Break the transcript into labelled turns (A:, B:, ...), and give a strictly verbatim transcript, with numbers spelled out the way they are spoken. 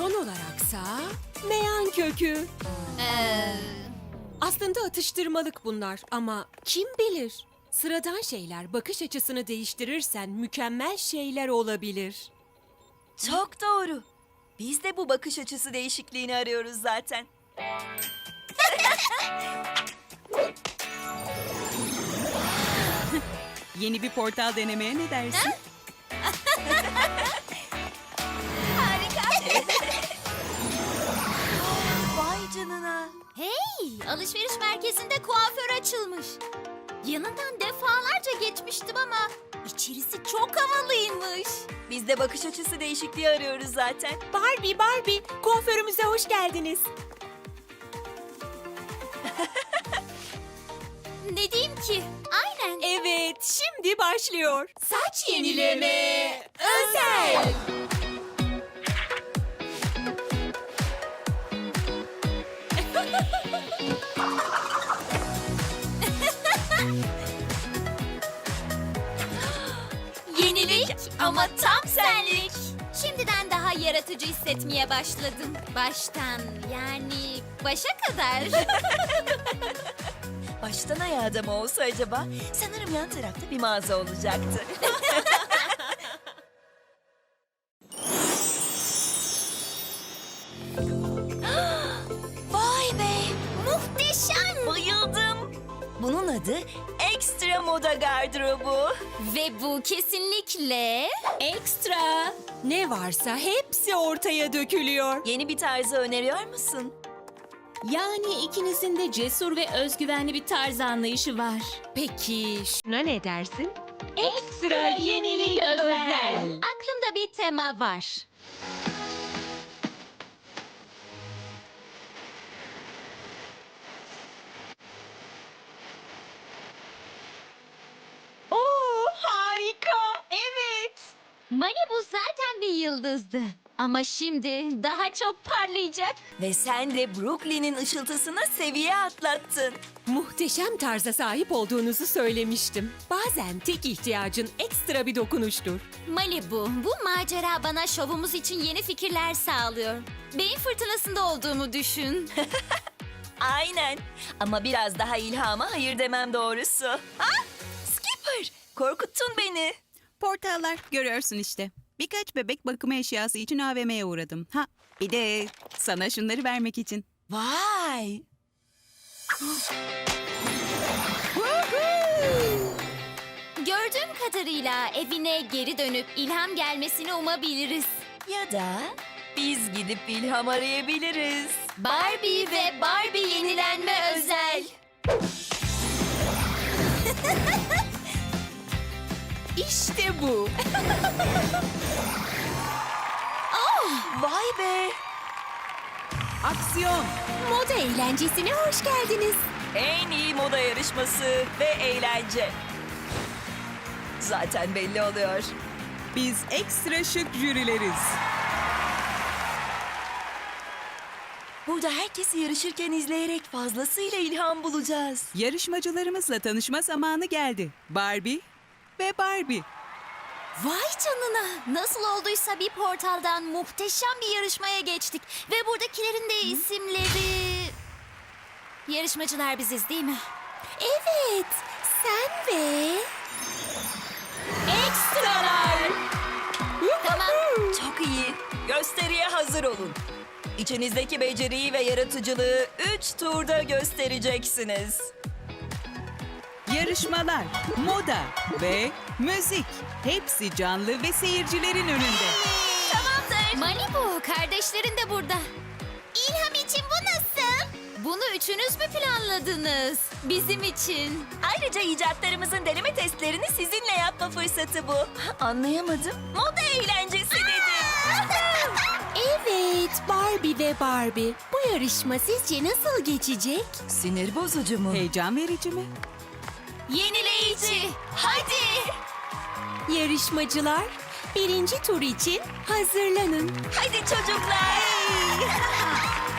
A: Son olaraksa meyan kökü.
B: Ee,
A: Aslında atıştırmalık bunlar ama kim bilir? Sıradan şeyler bakış açısını değiştirirsen mükemmel şeyler olabilir.
C: Çok doğru. Biz de bu bakış açısı değişikliğini arıyoruz zaten.
D: Yeni bir portal denemeye ne dersin?
C: Vay canına.
B: hey, alışveriş merkezinde kuaför açılmış. Yanından defalarca geçmiştim ama içerisi çok havalıymış.
C: Biz de bakış açısı değişikliği arıyoruz zaten.
A: Barbie, Barbie, kuaförümüze hoş geldiniz.
B: Ne diyeyim ki? Aynen.
A: Evet, şimdi başlıyor. Saç yenileme özel.
B: Yenilik ama tam senlik. Şimdiden daha yaratıcı hissetmeye başladım. Baştan yani başa kadar.
C: Baştan ayağa da mı olsa acaba? Sanırım yan tarafta bir mağaza olacaktı. Vay be!
B: Muhteşem.
C: Bayıldım. Bunun adı Ekstra Moda Gardırobu.
B: Ve bu kesinlikle
A: Ekstra. Ne varsa hepsi ortaya dökülüyor.
C: Yeni bir tarzı öneriyor musun?
E: Yani ikinizin de cesur ve özgüvenli bir tarz anlayışı var.
A: Peki şuna ne dersin?
E: Ekstra yenilik özel. Aklımda bir tema var.
D: Oo, harika. Evet.
E: Malibu zaten bir yıldızdı. Ama şimdi daha çok parlayacak.
C: Ve sen de Brooklyn'in ışıltısına seviye atlattın.
A: Muhteşem tarza sahip olduğunuzu söylemiştim. Bazen tek ihtiyacın ekstra bir dokunuştur.
B: Malibu. Bu macera bana şovumuz için yeni fikirler sağlıyor. Beyin fırtınasında olduğumu düşün.
C: Aynen. Ama biraz daha ilhama hayır demem doğrusu. Ah! Skipper! Korkuttun beni.
D: Portallar görüyorsun işte. Birkaç bebek bakımı eşyası için A V M'ye uğradım. Ha, bir de sana şunları vermek için.
C: Vay!
B: Gördüğüm kadarıyla evine geri dönüp ilham gelmesini umabiliriz.
C: Ya da biz gidip ilham arayabiliriz.
B: Barbie ve Barbie yenilenme özel.
A: İşte bu.
C: Vay be!
D: Aksiyon.
A: Moda eğlencesine hoş geldiniz.
C: En iyi moda yarışması ve eğlence. Zaten belli oluyor.
D: Biz ekstra şık jürileriz.
C: Burada herkesi yarışırken izleyerek fazlasıyla ilham bulacağız.
D: Yarışmacılarımızla tanışma zamanı geldi. Barbie ve Barbie.
B: Vay canına. Nasıl olduysa bir portaldan muhteşem bir yarışmaya geçtik. Ve buradakilerin de isimleri... Yarışmacılar biziz değil mi?
A: Evet, sen ve... Ekstralar.
B: Tamam.
C: Çok iyi. Gösteriye hazır olun. İçinizdeki beceriyi ve yaratıcılığı üç turda göstereceksiniz.
D: Yarışmalar, moda ve müzik. Hepsi canlı ve seyircilerin önünde.
B: Tamamdır. Malibu, kardeşlerin de burada. İlham için bu nasıl? Bunu üçünüz mü planladınız? Bizim için.
C: Ayrıca icatlarımızın deneme testlerini sizinle yapma fırsatı bu. Anlayamadım. Moda eğlencesi dedim.
A: Evet, Barbie ve Barbie. Bu yarışma sizce nasıl geçecek?
C: Sinir bozucu mu?
D: Heyecan verici mi?
B: Yenileyici. Hadi.
A: Yarışmacılar, birinci tur için hazırlanın.
C: Hadi çocuklar.